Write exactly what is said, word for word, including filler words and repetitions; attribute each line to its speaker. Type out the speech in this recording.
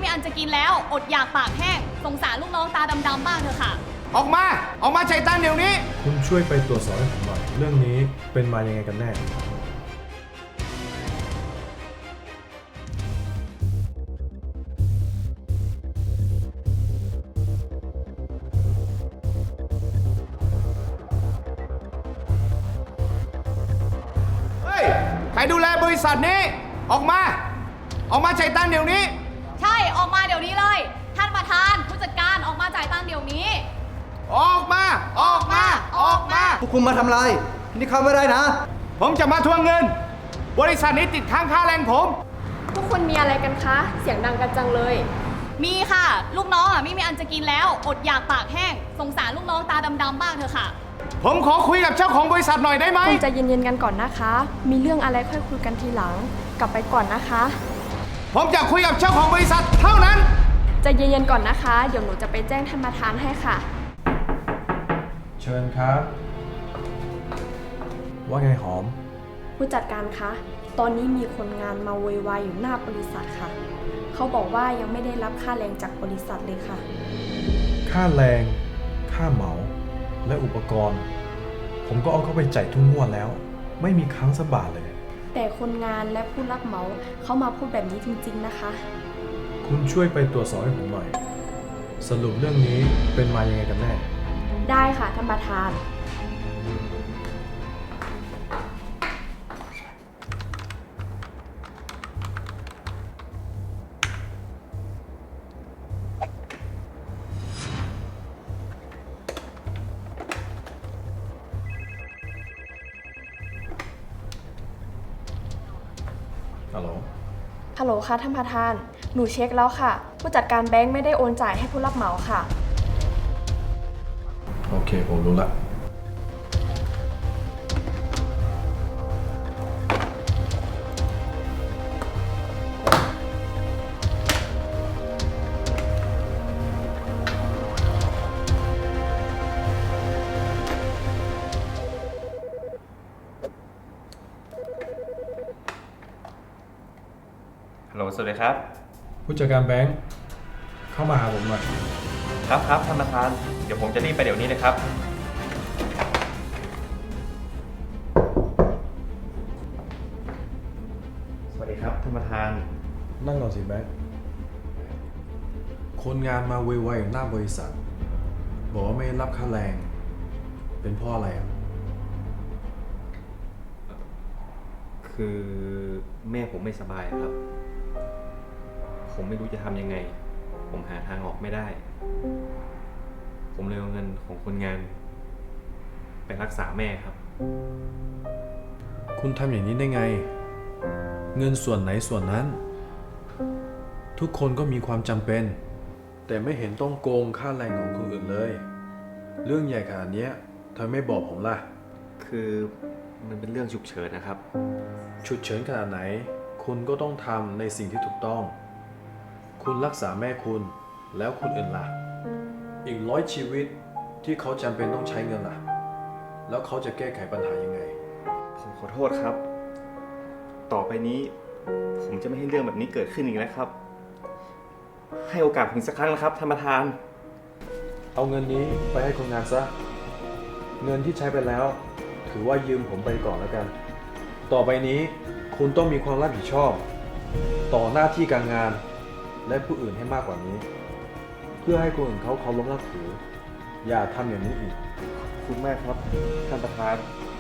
Speaker 1: อันจะกินแล้วอดอยากปากแห้งสงสารลูกน้องตาดำๆบ้างเถอะค่ะ
Speaker 2: ออกมาออกมาใจตั้นเดี๋ยวนี้
Speaker 3: คุณช่วยไปตรวจสอบให้ผมหน่อยเรื่องนี้เป็นมายังไงกันแน่
Speaker 2: เฮ้ยใครดูแลบริษัทนี้ออกมาออกมาใจตั้นเดี๋ยวนี้
Speaker 1: ใช่ออกมาเดี๋ยวนี้เลยท่านประธานผู้จัดการออกมาจ่ายตังค์เดี๋ยวนี้
Speaker 2: ออกมาออกมาออกมา
Speaker 4: พวกคุณมาทำอะไรนี่เข้าไม่ได้นะ
Speaker 2: ผมจะมาทวงเงินบริษัทนี้ติดค้างค่าแรงผม
Speaker 5: พวกคุณมีอะไรกันคะเสียงดังกันจังเลย
Speaker 1: มีค่ะลูกน้องอ่ะไม่มีอันจะกินแล้วอดอยากปากแห้งสงสารลูกน้องตาดำๆบ้างเถอะค่ะ
Speaker 2: ผมขอคุยกับเจ้าของบริษัทหน่อยได้ไหม
Speaker 5: คุณใจเย็นๆกันก่อนนะคะมีเรื่องอะไรค่อยคุยกันทีหลังกลับไปก่อนนะคะ
Speaker 2: ผมจะคุยกับเจ้าของบริษัทเท่านั้น
Speaker 5: ใจเย็นๆก่อนนะคะเดี๋ยวหนูจะไปแจ้งท่านประธานให้ค่ะ
Speaker 3: เชิญครับว่าไงหอม
Speaker 5: ผู้จัดการคะตอนนี้มีคนงานมาโวยวายอยู่หน้าบริษัทค่ะเขาบอกว่ายังไม่ได้รับค่าแรงจากบริษัทเลยค่ะ
Speaker 3: ค่าแรงค่าเหมาและอุปกรณ์ผมก็เอาเข้าไปจ่ายทุกงวดแล้วไม่มีค้างสักบาทเลย
Speaker 5: แต่คนงานและผู้รับเหมาเขามาพูดแบบนี้จริงๆนะคะ
Speaker 3: คุณช่วยไปตรวจสอบให้ผมหน่อยสรุปเรื่องนี้เป็นมายังไงกันแน่
Speaker 5: ได้ค่ะท่านประธาน
Speaker 3: ฮัลโหล
Speaker 5: ฮัลโหลค่ะท่านประธานหนูเช็คแล้วค่ะผู้จัดการแบงค์ไม่ได้โอนจ่ายให้ผู้รับเหมาค่ะ
Speaker 3: โอเคผมรู้ละ
Speaker 6: ฮัลโหลสวัสดีครับ
Speaker 3: ผู้จัดการแบงค์เข้ามาหาผมหน่อย
Speaker 6: ครับครับท่านประธานเดี๋ยวผมจะรีบไปเดี๋ยวนี้เลยครับสวัสดีครับท่านประธาน
Speaker 3: นั่งก่อนสิแบงค์คนงานมาไวๆหน้าบริษัทบอกว่าไม่รับค่าแรงเป็นเพราะอะไรอ่ะ
Speaker 6: คือแม่ผมไม่สบายครับผมไม่รู้จะทำยังไงผมหาทางออกไม่ได้ผมเลยเอาเงินของคนงานไปรักษาแม่ครับ
Speaker 3: คุณทำอย่างนี้ได้ไงเงินส่วนไหนส่วนนั้นทุกคนก็มีความจำเป็นแต่ไม่เห็นต้องโกงค่าแรงของคนอื่นเลยเรื่องใหญ่ขนาดนี้ทำไมไม่บอกผมล่ะ
Speaker 6: คือมันเป็นเรื่องฉุกเฉินนะครับ
Speaker 3: ฉุกเฉินขนาดไหนคุณก็ต้องทำในสิ่งที่ถูกต้องคุณรักษาแม่คุณแล้วคนอื่นล่ะอีกร้อยชีวิตที่เขาจำเป็นต้องใช้เงินล่ะแล้วเขาจะแก้ไขปัญหายังไง
Speaker 6: ผมขอโทษครับต่อไปนี้ผมจะไม่ให้เรื่องแบบนี้เกิดขึ้นอีกแล้วครับให้โอกาสผมสักครั้งนะครับท่านประธาน
Speaker 3: เอาเงินนี้ไปให้คนงานซะเงินที่ใช้ไปแล้วถือว่ายืมผมไปก่อนแล้วกันต่อไปนี้คุณต้องมีความรับผิดชอบต่อหน้าที่การงานและผู้อื่นให้มากกว่านี้เพื่อให้คนอื่นเขาเคารพนับถืออย่าทำอย่างนี้อีก
Speaker 6: ขอบคุณมากครับท่านประธาน